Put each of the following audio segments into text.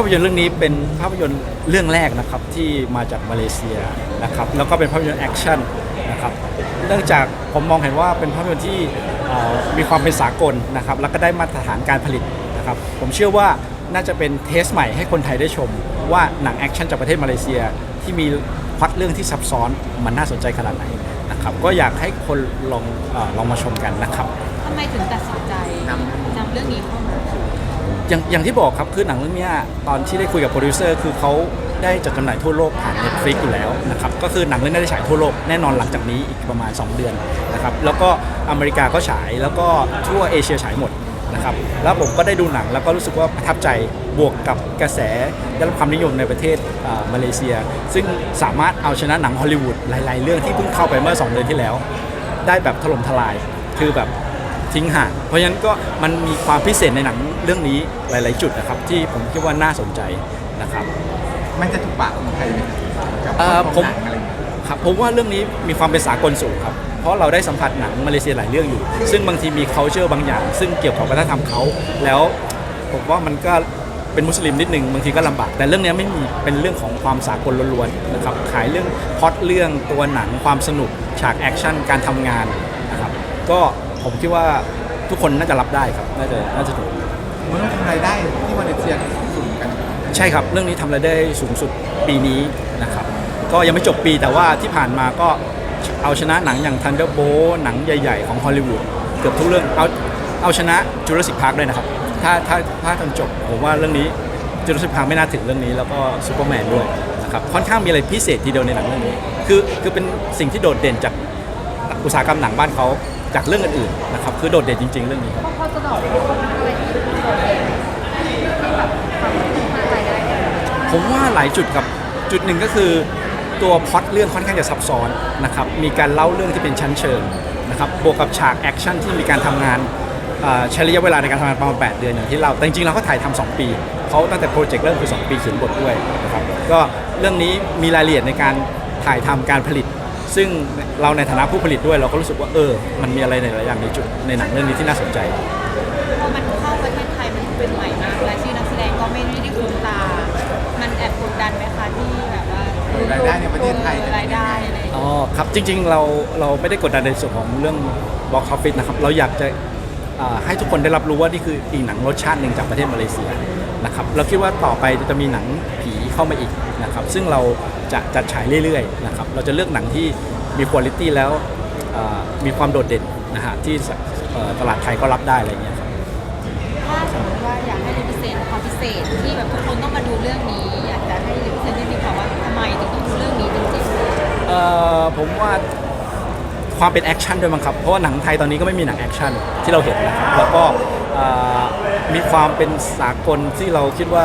ยนตร์เรื่องนี้เป็นภาพยนตร์เรื่องแรกนะครับที่มาจากมาเลเซียนะครับแล้วก็เป็นภาพยนตร์แอคชั่นนะครับเนื่องจากผมมองเห็นว่าเป็นภาพยนตร์ที่มีความเป็นสากลนะครับแล้วก็ได้มาตรฐานการผลิตนะครับผมเชื่อว่าน่าจะเป็นเทสใหม่ให้คนไทยได้ชมว่าหนังแอคชั่นจากประเทศมาเลเซียที่มีพล็อตเรื่องที่ซับซ้อนมันน่าสนใจขนาดไหนนะครับก็อยากให้คนลองมาชมกันนะครับทำไมถึงตัดสินใจนำเรื่องนี้เข้ามาอย่างที่บอกครับคือหนังเรื่องนี้ตอนที่ได้คุยกับโปรดิวเซอร์คือเขาได้จัดจำหน่ายทั่วโลกผ่าน Netflix อยู่แล้วนะครับก็คือหนังเรื่องนี้ได้ฉายทั่วโลกแน่นอนหลังจากนี้อีกประมาณ2เดือนนะครับแล้วก็อเมริกาก็ฉายแล้วก็ทั่วเอเชียฉายหมดนะครับแล้วผมก็ได้ดูหนังแล้วก็รู้สึกว่าประทับใจบวกกับกระแสได้รับความนิยมในประเทศมาเลเซียซึ่งสามารถเอาชนะหนังฮอลลีวูดหลายๆเรื่องที่เพิ่งเข้าไปเมื่อ2เดือนที่แล้วได้แบบถล่มทลายคือแบบทิ้งห่างเพราะฉะนั้นก็มันมีความพิเศษในหนังเรื่องนี้หลายๆจุดนะครับที่ผมคิดว่าน่าสนใจนะครับมันจะถูกปากคนไทยไหมกับผมครับผมว่าเรื่องนี้มีความเป็นสากลสูงครับเพราะเราได้สัมผัสหนังมาเลเซียหลายเรื่องอยู่ซึ่งบางทีมี culture บางอย่างซึ่งเกี่ยวกับวัฒนธรรมเขาแล้วผมว่ามันก็เป็นมุสลิมนิดนึงบางทีก็ลำบากแต่เรื่องนี้ไม่มีเป็นเรื่องของความสากลล้วนๆนะครับขายเรื่องพล็อตเรื่องตัวหนังความสนุกฉากแอคชั่นการทำงานนะครับก็ผมคิดว่าทุกคนน่าจะรับได้ครับน่าจะถูกมันต้องทำรายได้ที่มาเลเซียสูงกันใช่ครับเรื่องนี้ทำรายได้สูงสุดปีนี้นะครับก็ยังไม่จบปีแต่ว่าที่ผ่านมาก็เอาชนะหนังอย่าง Thunderbolt หนังใหญ่ๆของฮอลลีวูดเกือบทุกเรื่องเอาชนะ Jurassic Park ด้วยนะครับถ้าจนจบผมว่าเรื่องนี้ Jurassic Park ไม่น่าถึงเรื่องนี้แล้วก็ Superman ด้วยนะครับค่อนข้างมีอะไรพิเศษทีเดียวในหนังเรื่องนี้คือเป็นสิ่งที่โดดเด่นจากอุตสาหกรรมหนังบ้านเขาจากเรื่องอื่นๆนะครับคือโดดเด่นจริงๆเรื่องนี้ครับพอจะบอกอะไรที่โดดเด่นที่แบบความน่าใจได้ผมว่าหลายจุดครับจุดหนึ่งก็คือตัวพล็อตเรื่องค่อนข้างจะซับซ้อนนะครับมีการเล่าเรื่องที่เป็นชั้นเชิงนะครับบวกกับฉากแอคชั่นที่มีการทำงานใช้ระยะเวลาในการทำงานประมาณ8เดือนอย่างที่เราแต่จริงๆเราก็ถ่ายทำ2ปีเขาตั้งแต่โปรเจกต์เริ่มคือ2ปีเขียนบทด้วยนะครับก็เรื่องนี้มีรายละเอียดในการถ่ายทำการผลิตซึ่งเราในฐานะผู้ผลิตด้วยเราก็รู้สึกว่ามันมีอะไรในหลายอย่างในจุดในหนังเรื่องนี้ที่น่าสนใจพอมันเข้าประเทศไทยมันเป็นใหม่มากและชื่อนักแสดงก็ไม่ได้คุ้นตามันแอบกดดันไหมคะที่แบบว่ารายได้ในประเทศไทยรายได้อะไรอ๋อครับจริงๆเราไม่ได้กดดันในส่วนของเรื่อง box office นะครับเราอยากจะให้ทุกคนได้รับรู้ว่านี่คืออีกหนังรสชาติหนึ่งจากประเทศมาเลเซียนะครับเราคิดว่าต่อไปจะมีหนังผีเข้ามาอีกนะครับซึ่งเราจะจัดฉายเรื่อยๆนะครับเราจะเลือกหนังที่มีคุณภาพแล้วมีความโดดเด่นนะฮะที่ตลาดไทยก็รับได้อะไรเงี้ยครับถ้าสมมติว่าอยากให้รีพิเศษความพิเศษที่แบบทุกคนต้องมาดูเรื่องนี้อยากจะให้รีพิเศษที่มีคำว่าทำไมถึงต้องดูเรื่องนี้จริงๆผมว่าความเป็นแอคชั่นด้วยมั้งครับเพราะว่าหนังไทยตอนนี้ก็ไม่มีหนังแอคชั่นที่เราเห็นนะครับแล้วก็มีความเป็นสากลที่เราคิดว่า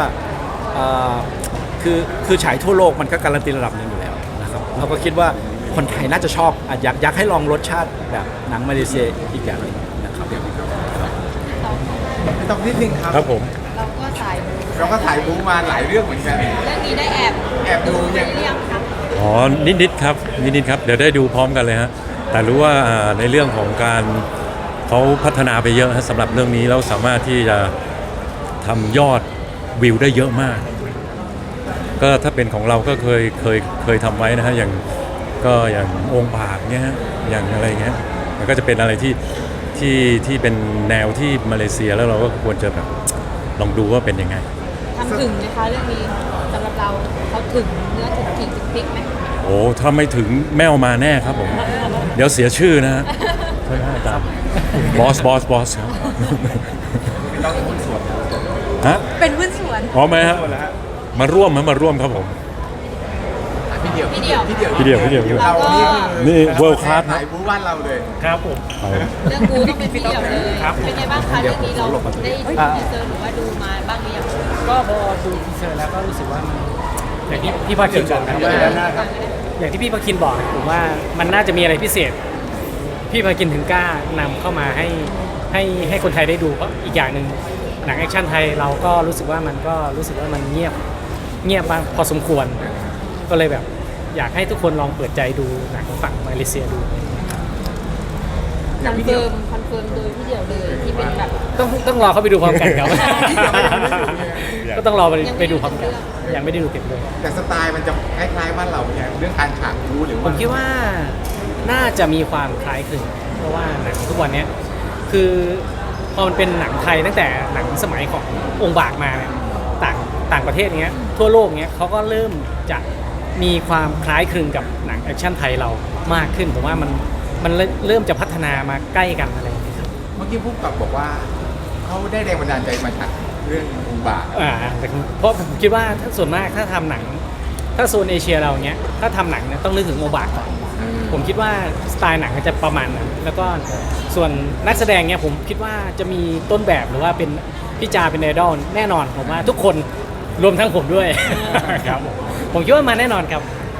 คือฉายทั่วโลกมันก็การันตีระดับหนึ่งอยู่แล้วนะครับเราก็คิดว่าคนไทยน่าจะชอบอยากให้ลองรสชาติแบบหนังมาเลเซียอีกอย่างนึงนะครับต้องนิดนึงครับผมเราก็ถ่ายบู๊มาหลายเรื่องเหมือนกันเรื่องนี้ได้แอบดูยังครับอ๋อนิดครับเดี๋ยวได้ดูพร้อมกันเลยฮะแต่รู้ว่าในเรื่องของการเขาพัฒนาไปเยอะสำหรับเรื่องนี้แล้วสามารถที่จะทำยอดวิวได้เยอะมากก็ถ้าเป็นของเราก็เคยทำไว้นะฮะอย่างองค์บากเนี้ยฮะอย่างอะไรเงี้ยมันก็จะเป็นอะไรที่เป็นแนวที่มาเลเซียแล้วเราก็ควรจะแบบลองดูว่าเป็นยังไงทำถึงไหมคะเรื่องนี้สำหรับเราเขาถึงเนื้อถึงขิงถึงพริกไหมโอ้ถ้าไม่ถึงแมวมาแน่ครับผมเดี๋ยวเสียชื่อนะฮะใช่ไหมอาจารย์บอสครับต้องเป็นหุ้นส่วนฮะเป็นหุ้นส่วนอ๋อไหมฮะมาร่วมครับผมพี่เดี่ยวเรานี่เวิลด์คลาสถ่ายบู๊บ้านเราเลยครับผมเรื่องบูต้องเป็นพี่เดี่ยวเลยเป็นไงบ้างคะเรื่องนี้เราได้ดูทีเซอร์หรือว่าดูมาบ้างหรือยังก็พอดูทีเซอร์แล้วก็รู้สึกว่าอย่างที่พี่ภาคินบอกนะว่าอย่างที่พี่ภาคินบอกผมว่ามันน่าจะมีอะไรพิเศษพี่ภาคินถึงกล้านำเข้ามาให้คนไทยได้ดูเพราะอีกอย่างหนึ่งหนังแอคชั่นไทยเราก็รู้สึกว่ามันเงียบมากพอสมควรก็เลยแบบอยากให้ทุกคนลองเปิดใจดูหนังฝั่งมาเลเซียดูคอนเฟิร์มโดยพี่เดี่ยวเลยที่เป็นแบบต้องรอเขาไปดูพร้อมกันครับ ก็ต้องรอไปดูพร้อมกันยังไม่ได้ดูเรื่องยังไม่ได้ดูเต็มเลยแต่สไตล์มันจะคล้ายๆบ้านเราเนี่ยเรื่องการฉากรู้หรือผว่ามคิดว่าน่าจะมีความคล้ายคลึงเพราะว่าหนังทุกวันเนี้ยคือพอมันเป็นหนังไทยตั้งแต่หนังสมัยขององค์บากมาเนี่ยต่างประเทศเนี้ยทั่วโลกเนี้ยเขาก็เริ่มจะมีความคล้ายคลึงกับหนังแอคชั่นไทยเรามากขึ้นผมว่ามันเริ่มจะพัฒนามาใกล้กันอะไรอย่างเงี้ยครับเมื่อกี้ผู้กำกับบอกว่าเขาได้แรงบันดาลใจมาจากเรื่องอุบาทแต่เพราะผมคิดว่าถ้าส่วนมากถ้าทำหนัง ถ้าโซนเอเชียเราเนี้ยถ้าทำหนังเนี่ยต้องนึกถึงโอบาก่อนผมคิดว่าสไตล์หนังมันจะประมาณนั้นแล้วก็ส่วนนักแสดงเนี่ยผมคิดว่าจะมีต้นแบบหรือว่าเป็นพี่จาเป็นไอดอลแน่นอนผมว่าทุกคนรวมทั้งผมด้วย ครับผมคิดว่ามาแน่นอนครับ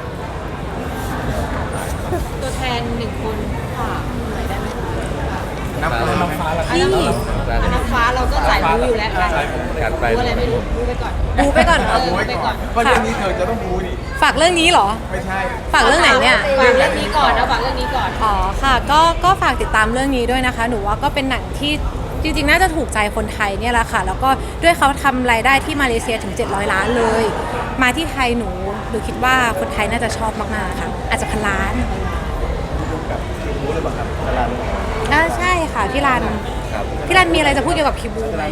ตัวแทนหนึ่งคนฝากหน่อยได้ไหมคะน้ำฟ้านี่น้ำฟ้าเราก็สายรู้อยู่แล้วรู้อะไรไม่รู้รู้ไปก่อนดูไปก่อนเอาไว้ก่อนเพราะเรื่องนี้เธอจะต้องรู้นี่ฝากเรื่องนี้เหรอไม่ใช่ฝากเรื่องไหนเนี่ยฝากเรื่องนี้ก่อนนะฝากเรื่องนี้ก่อนอ๋อค่ะก็ฝากติดตามเรื่องนี้ด้วยนะคะ หนูว่าก็เป็นหนังที่จริงๆ น่าจะถูกใจคนไทยเนี่ยแหละค่ะ แล้วก็ด้วยเขาทำรายได้ที่มาเลเซียถึง 700 ล้านเลย มาที่ไทยหนูคิดว่าคนไทยน่าจะชอบมากๆค่ะ อาจจะพันล้านใช่ค่ะพี่รันมีอะไรจะพูดเกี่ยวกับคิบูไหม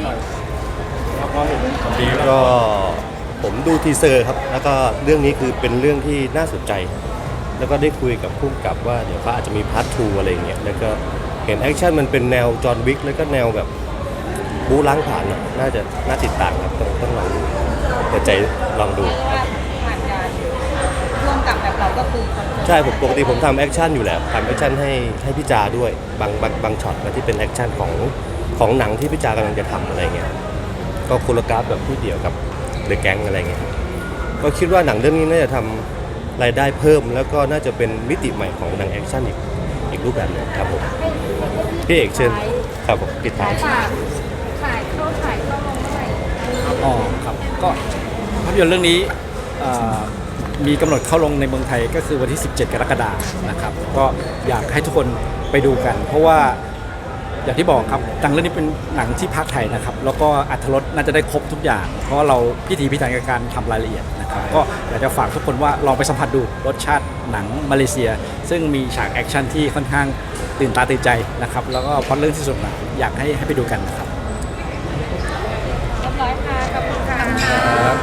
ก็ผมดูทีเซอร์ครับ แล้วก็เรื่องนี้คือเป็นเรื่องที่น่าสนใจ แล้วก็ได้คุยกับผู้กำกับว่าเดี๋ยวเขาอาจจะมีพาร์ท 2 อะไรอย่างเงี้ย แล้วก็เห็นแอคชั่นมันเป็นแนวจอห์นวิกแล้วก็แนวแบบบู๊ล้างผ่านอะน่าติดตามครับต้องลองดูเปิดใจลองดูเรียกว่าผ่านการร่วมกับแบบเราก็คือใช่ผมปกติผมทำแอคชั่นอยู่แล้วทำแอคชั่นให้พี่จาด้วยบางช็อตที่เป็นแอคชั่นของหนังที่พี่จากำลังจะทำอะไรเงี้ยก็โคโรกราฟแบบพี่เดี่ยวกับเดอะแก๊งอะไรเงี้ยก็คิดว่าหนังเรื่องนี้น่าจะทำรายได้เพิ่ม แล้วก็น่าจะเป็นมิติใหม่ของหนังแอคชั่นอีกรูปแบบหนึงครับผมพี่เอกเชิญครับผมปิดท้ายถ่ายเข้าลงเมื่อไหร่อ๋อครับก็ภาพยนตร์เรื่องนี้มีกำหนดเข้าลงในเมืองไทยก็คือวันที่ 17 กรกฎาคมนะครับก็อยากให้ทุกคนไปดูกัน เพราะว่าอย่างที่บอกครับหนังเรื่องนี้เป็นหนังที่ภาคไทยนะครับแล้วก็อรรถรสน่าจะได้ครบทุกอย่าง เพราะว่าเราพิถีพิถันกับการทำรายละเอียดนะครับก็อยากจะฝากทุกคนว่าลองไปสัมผัสดูรสชาติหนังมาเลเซีย ซึ่งมีฉากแอคชั่นที่ค่อนข้างตื่นตาตื่นใจนะครับแล้วก็พอเรื่องที่สุดนะอยากให้ไปดูกันนะครับเรียบร้อยค่ะขอบคุณค่ะ